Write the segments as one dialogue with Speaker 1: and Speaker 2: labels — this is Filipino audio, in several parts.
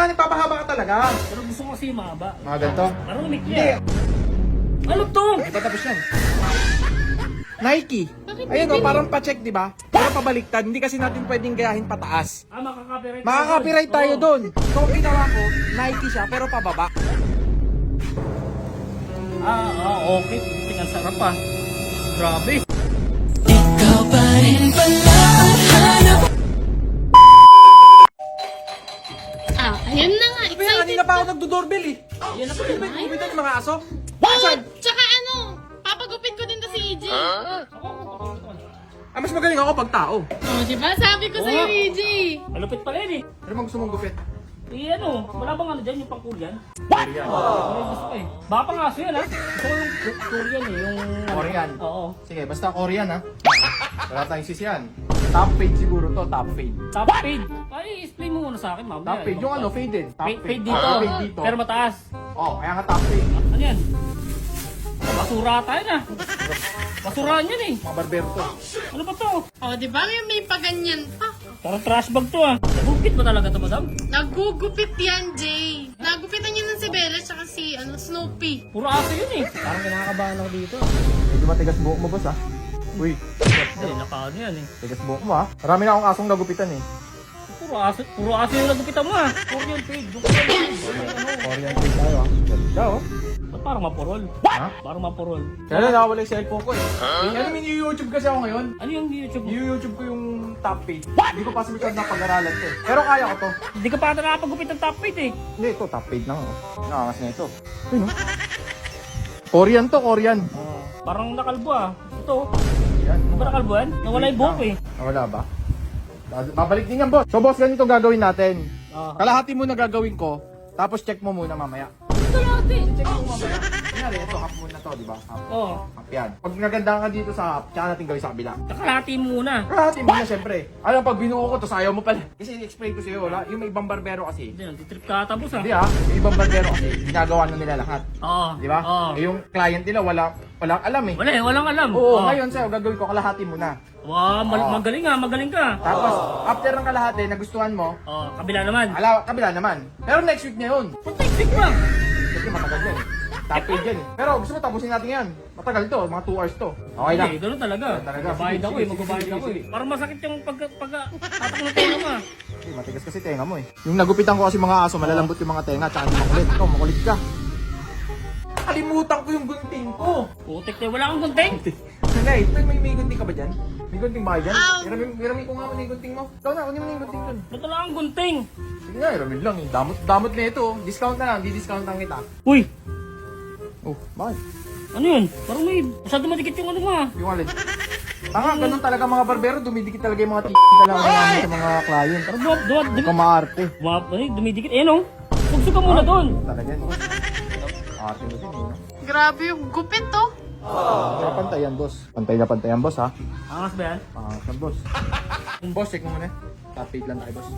Speaker 1: nagpapahaba ka talaga.
Speaker 2: Pero gusto ko kasi mahaba.
Speaker 1: Mga ganito?
Speaker 2: Parang umik
Speaker 1: Hindi.
Speaker 2: niya. Ano to?
Speaker 1: Hindi pa tapos yan. Nike.
Speaker 3: Bakit
Speaker 1: Ayun o,
Speaker 3: bibili?
Speaker 1: parang pa-check, di ba? Pero pabaliktad, hindi kasi natin pwedeng gayahin pataas.
Speaker 2: Ah, makaka-copyright.
Speaker 1: Makaka-copyright tayo
Speaker 2: Oo.
Speaker 1: doon. So, ang ginawa ko, Nike siya, pero pababa.
Speaker 2: Okay. Tingnan sarap pa. Grabe.
Speaker 4: Ikaw pa rin pala ang hanap.
Speaker 3: Ayun na nga.
Speaker 1: Kaya
Speaker 3: Excited
Speaker 1: kanina pa ako nagdo-doorbell eh.
Speaker 2: Yan na po.
Speaker 1: Ano ba yung gumitan ng mga aso?
Speaker 3: Oh, tsaka ano, papagupit ko din to si EJ.
Speaker 1: Mas magaling ako pag tao.
Speaker 3: Oh, diba? Sabi ko sa'yo,
Speaker 2: Oo.
Speaker 3: EJ.
Speaker 2: Malupit pala yun eh.
Speaker 1: Ano bang gusto mong gupit?
Speaker 2: Wala bang ano dyan, yung pang Korean? Korean. Gusto ko eh. Baka pang aso yan ha. Gusto ko yung Korean eh, yung...
Speaker 1: Korean?
Speaker 2: Oo.
Speaker 1: Sige, basta Korean ha. Wala tayong sisiyan. Top fade siguro to, top fade.
Speaker 2: Top fade. Ay, explain mo muna sa akin, mamaya.
Speaker 1: Top fade, yung ano, faded. Top
Speaker 2: Fade dito.
Speaker 1: Fade dito.
Speaker 2: Pero mataas.
Speaker 1: Oh, kaya nga top fade.
Speaker 2: Ano yan? Basura tayo na. Basurahan yan eh.
Speaker 1: Mga barbero to.
Speaker 2: Ano ba to?
Speaker 3: Oh, diba? May paganyan pa.
Speaker 2: Parang trash bag to ah. Nagugupit ba talaga to, madam?
Speaker 3: Nagugupit yan, Jay. Nagupitan niya ng si Bella tsaka si Snoopy.
Speaker 2: Puro aso yun eh.
Speaker 1: Parang kinakabahan ako dito. Medyo matigas buhok mo, boss ha? Uy,
Speaker 2: Hindi, nakaano yan eh.
Speaker 1: tigas buhok mo ha? Marami na akong asong nagupitan eh.
Speaker 2: Puro aso yung nagupitan mo ah. Korean fade.
Speaker 1: Korean fade tayo ha? Ganda oh.
Speaker 2: Ba't parang mapurol?
Speaker 1: Ha?
Speaker 2: Parang mapurol.
Speaker 1: Kaya na nakawala yung cellphone ko eh. Ano may YouTube kasi ako ngayon?
Speaker 2: Ano yung YouTube mo?
Speaker 1: YouTube ko yung top fade. Hindi ko pa sa masyadong napag-aralan to eh. Pero kaya ko to.
Speaker 2: Hindi ka pa ata nakapagupit ng top fade eh.
Speaker 1: Hindi, ito top fade lang oh. Nakakas na ito. Ayun oh. Korean to, Korean.
Speaker 2: Parang nakalbo ah. Ito.
Speaker 1: Yan.
Speaker 2: Ano ba nakalbo yan? Nawala yung buhok eh.
Speaker 1: Wala ba? Babalik din yan, boss. So, boss, ganito gagawin natin.
Speaker 2: Ah.
Speaker 1: Kalahati mo na gagawin ko, tapos check mo muna mamaya.
Speaker 2: Ito lahat eh.
Speaker 1: Check mo mamaya. Kunyari, ito, half muna to, di ba? Half.
Speaker 2: Oo.
Speaker 1: Half yan. Pag naganda ka dito sa half, tsaka natin gawin sa kabila.
Speaker 2: Nakalati mo muna.
Speaker 1: Kalahati mo na, syempre. Alam, pag binuo ko to, sayaw mo pala. Kasi i-explain ko sa'yo, wala. Yung may ibang barbero kasi.
Speaker 2: Hindi, nagtitrip ka tapos ah.
Speaker 1: Hindi yung ibang barbero kasi, ginagawa na nila lahat.
Speaker 2: Oo.
Speaker 1: Di ba?
Speaker 2: Oo.
Speaker 1: Eh, yung client nila, walang alam eh.
Speaker 2: Wala eh, walang alam.
Speaker 1: Oo, ngayon sa'yo, gagawin ko, kalahati mo na.
Speaker 2: Wow, magaling ah, magaling ka.
Speaker 1: Tapos, after ng kalahati, nagustuhan mo,
Speaker 2: Oh, kabila naman.
Speaker 1: kabila naman. Pero next week na yun.
Speaker 2: Punta stick pa.
Speaker 1: Kasi matagal yan eh. Top paid yan eh. Pero gusto mo tapusin natin yan. Matagal to, mga 2 hours to. Okay lang.
Speaker 2: Hindi, ganun talaga.
Speaker 1: Talaga.
Speaker 2: Magbabayad
Speaker 1: Sige,
Speaker 2: ako eh,
Speaker 1: sige,
Speaker 2: magbabayad
Speaker 1: sige,
Speaker 2: ako eh.
Speaker 1: sige.
Speaker 2: Parang masakit yung pag-atak ng tenga mo ah.
Speaker 1: Eh, matigas kasi tenga mo eh. Yung nagupitan ko kasi mga aso, malalambot yung mga tenga, tsaka hindi makulit. Ikaw, makulit ka. Kalimutan ko yung gunting ko.
Speaker 2: Putik na, wala kang gunting.
Speaker 1: Sanay, may gunting ka ba dyan? May gunting ba kayo dyan? Iramin ko nga mo na yung gunting mo. Ikaw na, kunin mo na yung gunting dun.
Speaker 2: Ba't wala kang gunting?
Speaker 1: Sige nga, iramin lang eh. Damot na ito. Discount na lang, di-discount lang kita.
Speaker 2: Uy,
Speaker 1: Oh, bakit?
Speaker 2: ano yun? Parang may masyado madikit yung ano mo ah.
Speaker 1: Yung alin? Tanga, ganun talaga mga barbero, dumidikit talaga yung mga na lang namin sa mga client.
Speaker 2: Parang
Speaker 1: Huwag kang maarte.
Speaker 2: dumidikit. Eh no? Sugso ka muna doon.
Speaker 1: Talaga yan. Ate mo din eh.
Speaker 3: Grabe yung gupit to.
Speaker 1: Tsaka pantay yan, boss. Pantay yan, boss, ha?
Speaker 2: Angas ba yan?
Speaker 1: Yan, boss. Boss, check mo muna. Top 8 lang tayo, boss.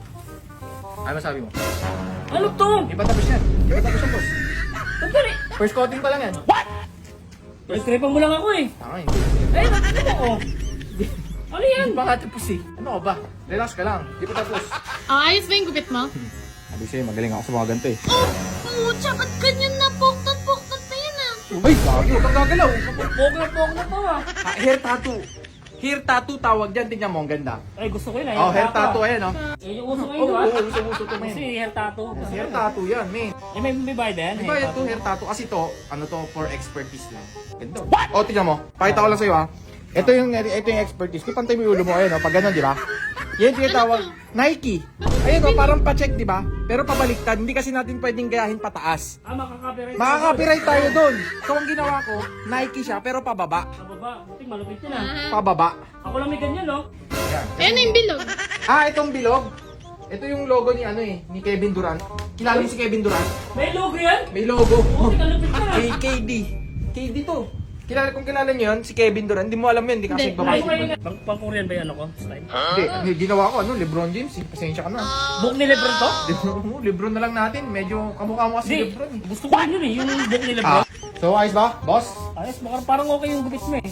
Speaker 1: Ano masabi mo?
Speaker 2: Ano to?
Speaker 1: Di ba tapos yan? Di ba tapos yan, boss?
Speaker 2: Sandali.
Speaker 1: First coating pa lang yan.
Speaker 2: Tripan mo lang ako eh.
Speaker 1: Tanga, hindi.
Speaker 2: Eh, ano ako? Ano yan?
Speaker 1: Hindi pa nga tapos eh. Ano ka ba? Relax ka lang. Di pa tapos.
Speaker 3: Ayos ba yung gupit mo?
Speaker 1: Sabi sa'yo, magaling ako sa mga ganito eh.
Speaker 3: Oh, tsaka ganyan na poktot pa yan ah.
Speaker 1: Ay, gagi, huwag kang gagalaw.
Speaker 2: Pog na to ah.
Speaker 1: Hair tattoo. Hair tattoo tawag dyan. Tingnan mo, ang ganda.
Speaker 2: Ay, gusto ko yun ah.
Speaker 1: Oh, hair tattoo, ayan, oh.
Speaker 2: Eh, yung uso
Speaker 1: Oo,
Speaker 2: ngayon ah.
Speaker 1: uso-uso to,
Speaker 2: Kasi
Speaker 1: men.
Speaker 2: hair tattoo.
Speaker 1: Hair tattoo yan, men.
Speaker 2: Eh, may bayad yan.
Speaker 1: Di ba ito hair tattoo? Kasi to, ano to, for expertise lang. Ganda. O, tingnan mo. Pakita ko lang sa'yo, ha. Ito yung expertise. Kung pantay mo yung ulo mo, ayun, pag ganun, di ba? Yan tinatawag Nike. Ayun, parang pa-check, di ba? Pero pabaliktad, hindi kasi natin pwedeng gayahin pataas.
Speaker 2: Ah, makaka-copyright.
Speaker 1: Makaka-copyright tayo doon. So, ang ginawa ko, Nike siya, pero pababa.
Speaker 2: Sa baba. Buti malupit yun ah.
Speaker 1: Pababa.
Speaker 2: Ako lang may ganyan no?
Speaker 1: Yan.
Speaker 3: Ayan na yung bilog.
Speaker 1: Itong bilog. Ito yung logo ni ni Kevin Durant. Kilala niyo si Kevin Durant?
Speaker 2: May logo yan?
Speaker 1: May logo.
Speaker 2: Buti kalupit ka na.
Speaker 1: KD. KD to. Kung kilala niyo yun, si Kevin Durant, hindi mo alam yun, hindi ka kasi
Speaker 3: Hindi.
Speaker 2: Ay,
Speaker 1: babae.
Speaker 2: pang-Korean ba yan ako? Style?
Speaker 1: Hindi, ginawa ko, LeBron James, eh. Pasensya ka na.
Speaker 2: Book ni Lebron to?
Speaker 1: Lebron na lang natin, medyo kamukha mo kasi
Speaker 2: Hindi.
Speaker 1: Lebron eh.
Speaker 2: Gusto ko rin yun eh. Yung book ni Lebron.
Speaker 1: So, ayos ba, boss?
Speaker 2: Ayos, parang okay yung gupit mo eh.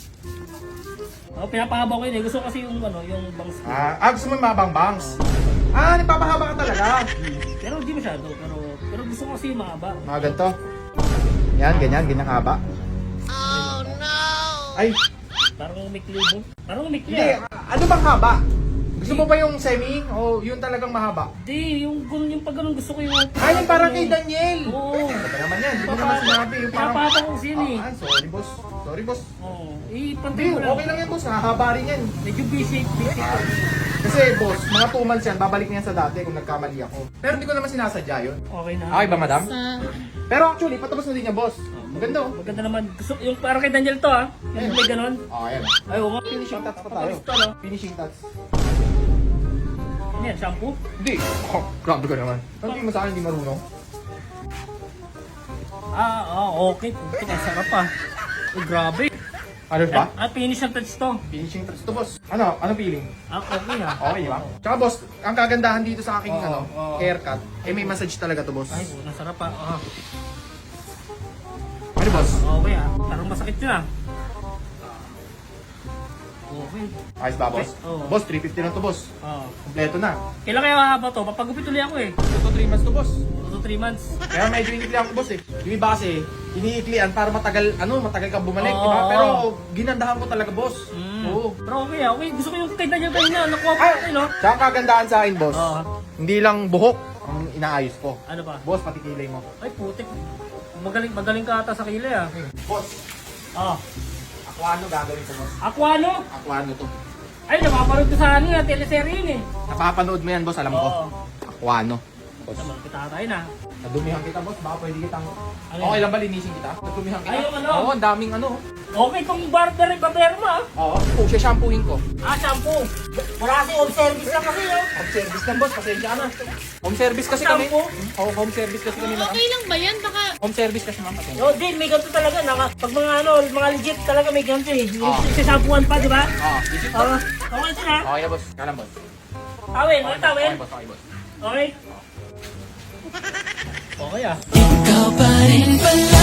Speaker 2: Pinapahaba ko yun eh. Gusto ko kasi yung ano, yung bangs ko.
Speaker 1: Gusto mo yung mabang bangs? Ah, nagpapahaba ka talaga.
Speaker 2: Pero hindi masyado, pero gusto ko kasi yung mahaba.
Speaker 1: Mga ganito. Yan, ganyan, ganyan haba.
Speaker 3: Oh no!
Speaker 1: Ay,
Speaker 2: Parang umikli mo. Parang umikli
Speaker 1: hindi.
Speaker 2: ah.
Speaker 1: Ano bang haba? Gusto mo ba yung semi o yun talagang mahaba?
Speaker 2: Hindi, yung pag ganun gusto ko yung...
Speaker 1: Ay, yung parang kay Daniel.
Speaker 2: Oo.
Speaker 1: Ano ba naman yan? Hindi mo naman sinabi. Yung parang...
Speaker 2: Napapa ko sin eh.
Speaker 1: Ah, sorry boss. Sorry boss.
Speaker 2: Oo.
Speaker 1: Hindi,
Speaker 2: Pantay mo lang.
Speaker 1: okay lang yan boss. Hahaba rin yan.
Speaker 2: Medyo busy ko.
Speaker 1: Kasi boss, mga 2 months yan, babalik na yan sa dati kung nagkamali ako. Pero hindi ko naman sinasadya yun.
Speaker 2: Okay na.
Speaker 1: Okay ba madam?
Speaker 3: Sa...
Speaker 1: Pero actually, patapos na din niya boss. Maganda oh.
Speaker 2: Maganda naman. Gusto, yung parang kay Daniel to ah. Yung may ganun.
Speaker 1: Oh, ayan.
Speaker 2: Ay, oo nga.
Speaker 1: Finishing touch pa tayo.
Speaker 2: Tapos to, no?
Speaker 1: Finishing touch.
Speaker 2: Ano yan, shampoo?
Speaker 1: Hindi. Oh, grabe ka naman. Hindi mo sa akin, hindi marunong.
Speaker 2: Okay. Puto, ang sarap ah. Ay, grabe.
Speaker 1: Ano ba?
Speaker 2: Finish ang touch to.
Speaker 1: Finishing touch to boss. Ano? Ano feeling?
Speaker 2: Okay ah.
Speaker 1: Okay ba? Tsaka boss, ang kagandahan dito sa aking
Speaker 2: Oo, oo.
Speaker 1: haircut, eh may massage talaga to boss.
Speaker 2: Ay, ang sarap ah.
Speaker 1: Ano boss?
Speaker 2: Okay ah. Parang masakit yun ah. Okay.
Speaker 1: Ayos ba boss?
Speaker 2: Oo.
Speaker 1: Boss, 350 lang to boss. Kompleto na.
Speaker 2: Kailan kaya mahaba to? Papagupit ulit ako eh.
Speaker 1: 2 to 3 months to boss.
Speaker 2: 2 to 3 months.
Speaker 1: Kaya medyo iniklihan ko boss eh. Yung iba kasi, iniiklian para matagal, matagal ka bumalik,
Speaker 2: Oo,
Speaker 1: di ba?
Speaker 2: oo.
Speaker 1: Pero ginandahan ko talaga boss. Oo.
Speaker 2: Pero okay ah. Okay. Gusto ko yung kay Daniel kanina. Nakuha ko
Speaker 1: Ay,
Speaker 2: okay no?
Speaker 1: tsaka ang kagandahan sa akin boss,
Speaker 2: Oo.
Speaker 1: hindi lang buhok ang inaayos ko.
Speaker 2: Ano ba?
Speaker 1: Boss, pati kilay mo.
Speaker 2: Ay putik. Magaling ka ata sa kilay ah.
Speaker 1: Boss,
Speaker 2: Oh.
Speaker 1: Aquano gagawin ko boss.
Speaker 2: Aquano?
Speaker 1: Aquano to.
Speaker 2: Ay, napapanood ko sa ano yan, teleserye yun eh.
Speaker 1: Napapanood mo yan boss, alam ko.
Speaker 2: Oo.
Speaker 1: Aquano. Boss.
Speaker 2: Naman, kita tayo na.
Speaker 1: Nadumihan kita boss, baka pwede kitang...
Speaker 2: Ano
Speaker 1: Okay
Speaker 2: yan?
Speaker 1: lang ba linisin kita? Nadumihan kita?
Speaker 2: Ay, yung ano?
Speaker 1: Oo, ang daming ano.
Speaker 2: Okay, itong barber mo ah.
Speaker 1: Oo, siya shampooin ko.
Speaker 2: Shampoo. Wala kasi home service lang kasi oh.
Speaker 1: Home service lang boss, pasensya ka na. Home service kasi kami.
Speaker 2: Shampoo?
Speaker 1: Oo, home service kasi kami ma'am.
Speaker 3: Okay lang ba yan? Baka...
Speaker 1: Home service kasi ma'am, pasensya.
Speaker 2: Yo, din, may ganito talaga. Pag mga legit talaga may ganito eh. Yung
Speaker 1: Oo.
Speaker 2: shampooan pa, di ba?
Speaker 1: Oo, visit ko.
Speaker 2: Okay ito na.
Speaker 1: Okay na boss, kalam boss.
Speaker 2: Tawin, ano tawin?
Speaker 1: Okay boss, okay boss.
Speaker 2: Okay. Okay ah.
Speaker 4: Ikaw pa rin pala